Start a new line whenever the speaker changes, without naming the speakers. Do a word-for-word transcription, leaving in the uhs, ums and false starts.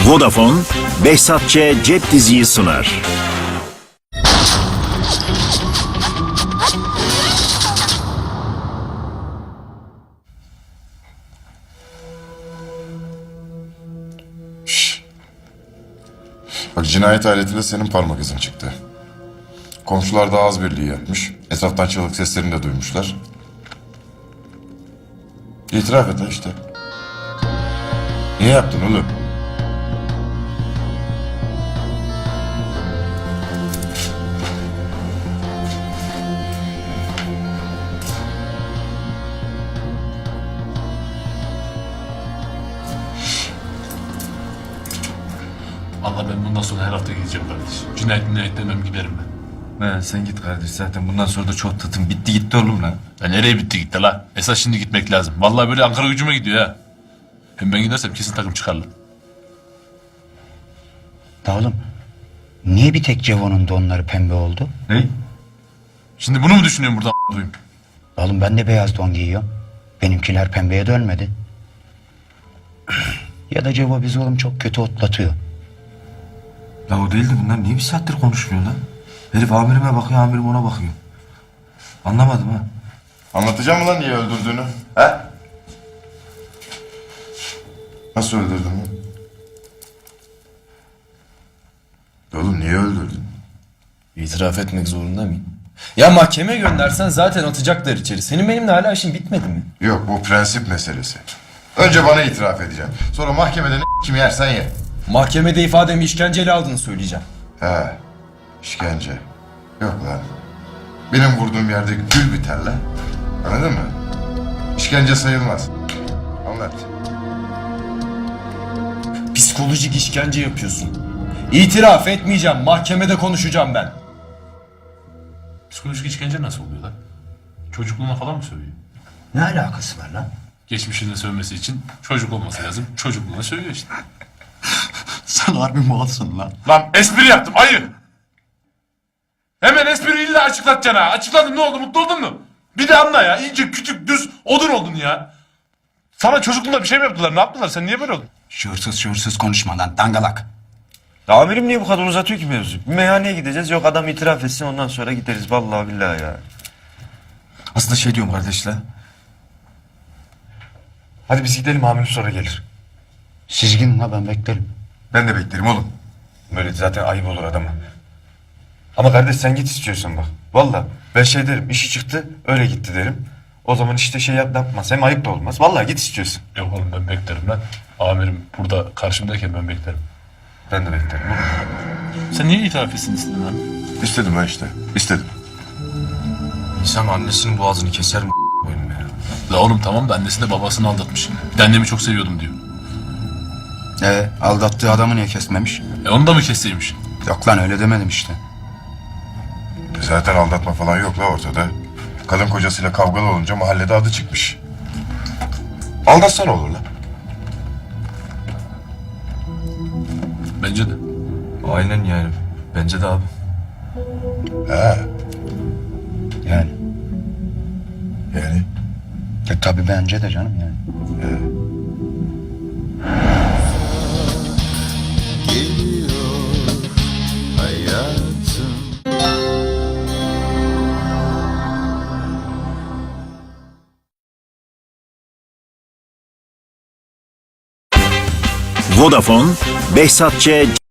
Vodafone, Behzat Ç. Cep Diziyi sunar.
Şşş. Bak, cinayet aletinde senin parmak izin çıktı. Komşular da ağız birliği yapmış. Etraftan çığlık seslerini de duymuşlar. İtiraf et ha işte. Niye yaptın oğlum?
Vallahi ben bundan sonra her hafta gideceğim kardeşim. Cinayet minayet demem giderim ben.
He, sen git kardeş, zaten bundan sonra da çok tatın bitti gitti oğlum lan.
Ya nereye bitti gitti la? Esas şimdi gitmek lazım. Vallahi böyle Ankara gücüme gidiyor ha. Hem ben gidersem kesin takım çıkarlar.
Da oğlum, niye bir tek Cevo'nun donları pembe oldu?
Ne?
Şimdi bunu mu düşünüyorum buradan duyayım?
Oğlum ben de beyaz don giyiyorum. Benimkiler pembeye dönmedi. Ya da Cevo bizi oğlum çok kötü otlatıyor.
La o değil de bunlar niye bir saattir konuşmuyor lan? Herif amirime bakıyor, amirim ona bakıyor. Anlamadım ha.
Anlatacağım mı lan niye öldürdüğünü? He? Nasıl öldürdün lan? Oğlum niye öldürdün?
İtiraf etmek zorunda mıyım? Ya mahkemeye göndersen zaten atacaklar içeri. Senin benimle hala işin bitmedi mi?
Yok, bu prensip meselesi. Önce bana itiraf edeceğim. Sonra mahkemede ne kim yersen ye.
Mahkemede ifademi işkenceyle aldığını söyleyeceğim.
He, işkence. Yok lan. Benim vurduğum yerde gül biter lan. Anladın mı? İşkence sayılmaz. Anlat.
Psikolojik işkence yapıyorsun. İtiraf etmeyeceğim. Mahkemede konuşacağım ben.
Psikolojik işkence nasıl oluyor lan? Çocukluğuna falan mı sövüyor?
Ne alakası var lan?
Geçmişinde sövmesi için çocuk olması lazım. Çocukluğuna sövüyor işte.
Sen harbi malsın lan.
Lan espri yaptım ayı. Hemen espri illa açıklatacaksın ha. Açıkladım, ne oldu, mutlu oldun mu? Bir de anla ya, ince küçük düz odun oldun ya. Sana çocukluğunda bir şey mi yaptılar, ne yaptılar, sen niye böyle oldun?
Şuursuz şuursuz konuşma lan dangalak.
Ya amirim niye bu kadar uzatıyor ki mevzu? Bir meyhaneye gideceğiz, yok adam itiraf etsin ondan sonra gideriz vallahi billahi ya. Aslında şey diyorum kardeş la. Hadi biz gidelim, amirim sonra gelir.
Siz gidin la, ben beklerim.
Ben de beklerim oğlum. Böyle zaten ayıp olur adama. Ama kardeş sen git istiyorsan bak. Vallahi ben şey derim, işi çıktı öyle gitti derim. O zaman işte şey yap, yapmaz, hem ayıp da olmaz. Vallahi git istiyorsun.
Yok oğlum, ben beklerim lan. Amirim burada karşımdayken ben beklerim.
Ben de beklerim oğlum.
Sen niye itiraf etsin istedin lan?
İstedim ben işte. İstedim.
İnsan annesinin boğazını keser mi koyayım ya?
La oğlum tamam da annesi de babasını aldatmış. Bir de annemi çok seviyordum diyor.
Ee, aldattığı adamı niye kesmemiş?
E onu da mı kesseymiş?
Yok lan, öyle demedim işte.
Zaten aldatma falan yok la ortada. Kadın kocasıyla kavgalı olunca mahallede adı çıkmış. Aldatsa ne olur la?
Bence de.
Aynen yani. Bence de abi.
He,
Yani.
yani.
E tabii bence de canım yani.
Vodafone, Behzat Ç.